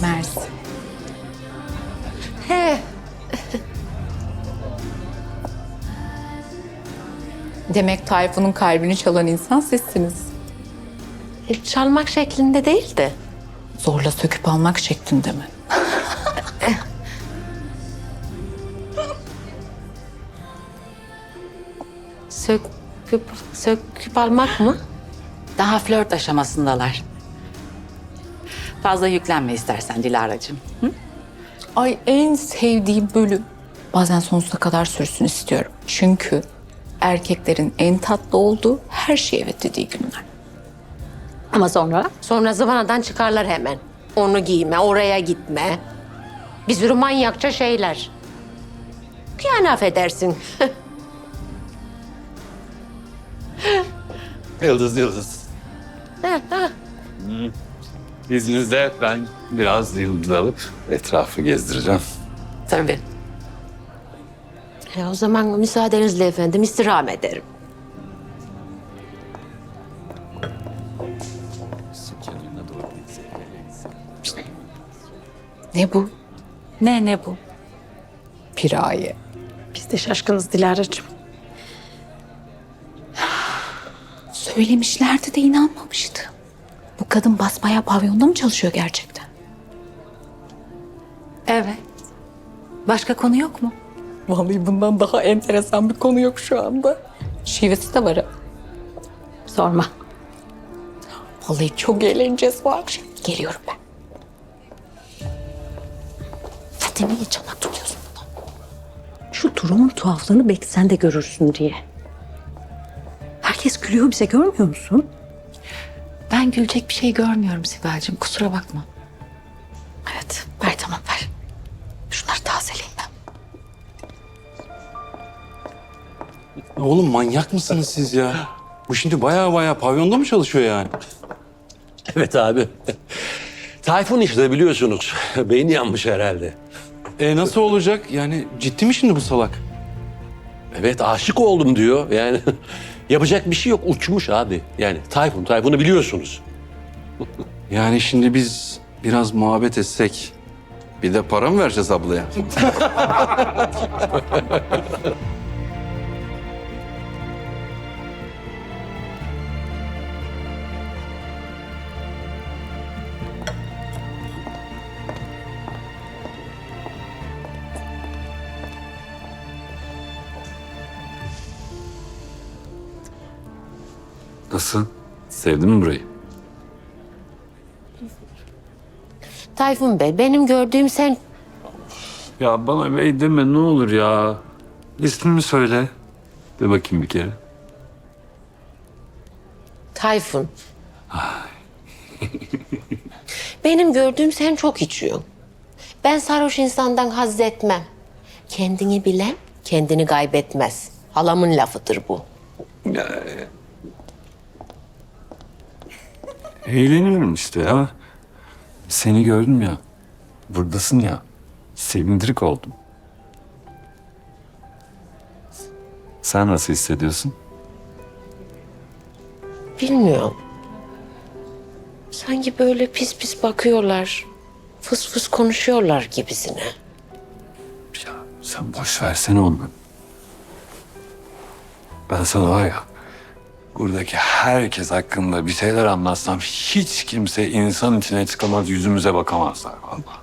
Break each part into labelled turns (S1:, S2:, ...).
S1: Mersi.
S2: He.
S1: Demek Tayfun'un kalbini çalan insan sizsiniz.
S2: Çalmak şeklinde değil de.
S1: Zorla söküp almak şeklinde mi?
S2: Söküp almak mı?
S3: Daha flört aşamasındalar. Fazla yüklenme istersen Dilara'cığım.
S1: Ay en sevdiğim bölüm. Bazen sonsuza kadar sürsün istiyorum. Çünkü erkeklerin en tatlı olduğu her şeye evet dediği günler.
S2: Ama sonra? Sonra zıvanadan çıkarlar hemen. Onu giyme, oraya gitme. Bir sürü manyakça şeyler. Yani affedersin.
S4: Yıldız. İzninizle ben biraz yıldız alıp etrafı gezdireceğim.
S3: Tabii.
S2: O zaman müsaadenizle efendim istirham ederim.
S1: Ne bu?
S3: Ne bu?
S1: Piraye.
S2: Biz de şaşkınız Dilara'cığım.
S1: Söylemişlerdi de inanmamıştım. Bu kadın basbayağı pavyonda mı çalışıyor gerçekten?
S3: Evet. Başka konu yok mu?
S1: Vallahi bundan daha enteresan bir konu yok şu anda. Şivesi de var ha.
S2: Sorma.
S1: Vallahi çok eğleneceğiz bu akşam. Geliyorum ben. Hadi niye çanak tutuyorsun bunu?
S5: Şu durumun tuhaflığını belki sen de görürsün diye. Herkes gülüyor bize, görmüyor musun?
S3: Ben gülecek bir şey görmüyorum Sibel'cim. Kusura bakma.
S1: Evet, ver tamam ver. Şunları tazeleyeyim ben.
S6: Oğlum manyak mısınız siz ya? Bu şimdi baya pavyonda mı çalışıyor yani?
S7: Evet abi. Tayfun işte biliyorsunuz. Beyni yanmış herhalde.
S6: Nasıl olacak? Yani ciddi mi şimdi bu salak?
S7: Evet aşık oldum diyor. Yani yapacak bir şey yok. Uçmuş abi. Yani Tayfun'u biliyorsunuz.
S6: Yani şimdi biz biraz muhabbet etsek bir de para mı vereceğiz ablaya?
S4: Nasıl? Sevdin mi burayı?
S2: Tayfun Bey, benim gördüğüm sen...
S4: Ya bana bey deme ne olur ya. İsmimi söyle. De bakayım bir kere.
S2: Tayfun. Benim gördüğüm sen çok içiyorsun. Ben sarhoş insandan haz etmem. Kendini bilen kendini kaybetmez. Halamın lafıdır bu.
S4: Eğleniyorum işte ya. Seni gördüm ya. Buradasın ya. Sevindirik oldum. Sen nasıl hissediyorsun?
S2: Bilmiyorum. Sanki böyle pis pis bakıyorlar. Fıs fıs konuşuyorlar gibisine.
S4: Ya sen boş versene onları. Ben sana var ya, buradaki herkes hakkında bir şeyler anlatsam hiç kimse insan içine çıkamaz, yüzümüze bakamazlar vallahi.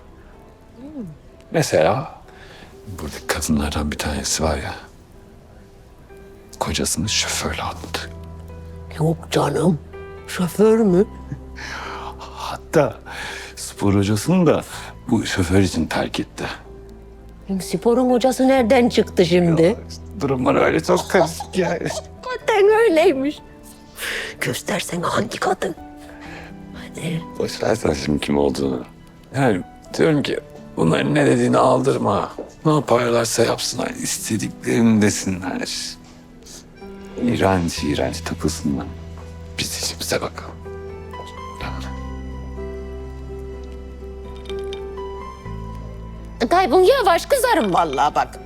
S4: Mesela buradaki kadınlardan bir tanesi var ya, kocasını şoförle attı.
S2: Yok canım. Şoför mü?
S4: Hatta spor hocasını da bu şoför için terk etti.
S2: Sporun hocası nereden çıktı şimdi?
S4: Durumlar öyle çok karışık yani.
S2: Hakikaten öyleymiş. Göstersene hangi kadın? Hadi.
S4: Boş versen şimdi kim olduğunu. Yani diyorum ki bunların ne dediğini aldırma. Ne yaparlarsa yapsınlar. İstediklerini desinler. İğrenç takılsınlar. Biz işimize bakalım.
S2: Tayfun yavaş kızarım vallahi bak.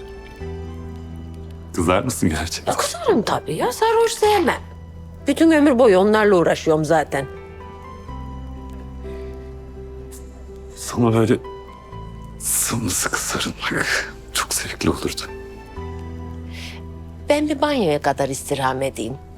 S4: Kızar mısın gerçekten?
S2: Kızarım tabii ya, sarhoş sevmem. Bütün ömür boyu onlarla uğraşıyorum zaten.
S4: sana böyle sımsıkı sarılmak çok zevkli olurdu.
S2: Ben bir banyoya kadar istirham edeyim.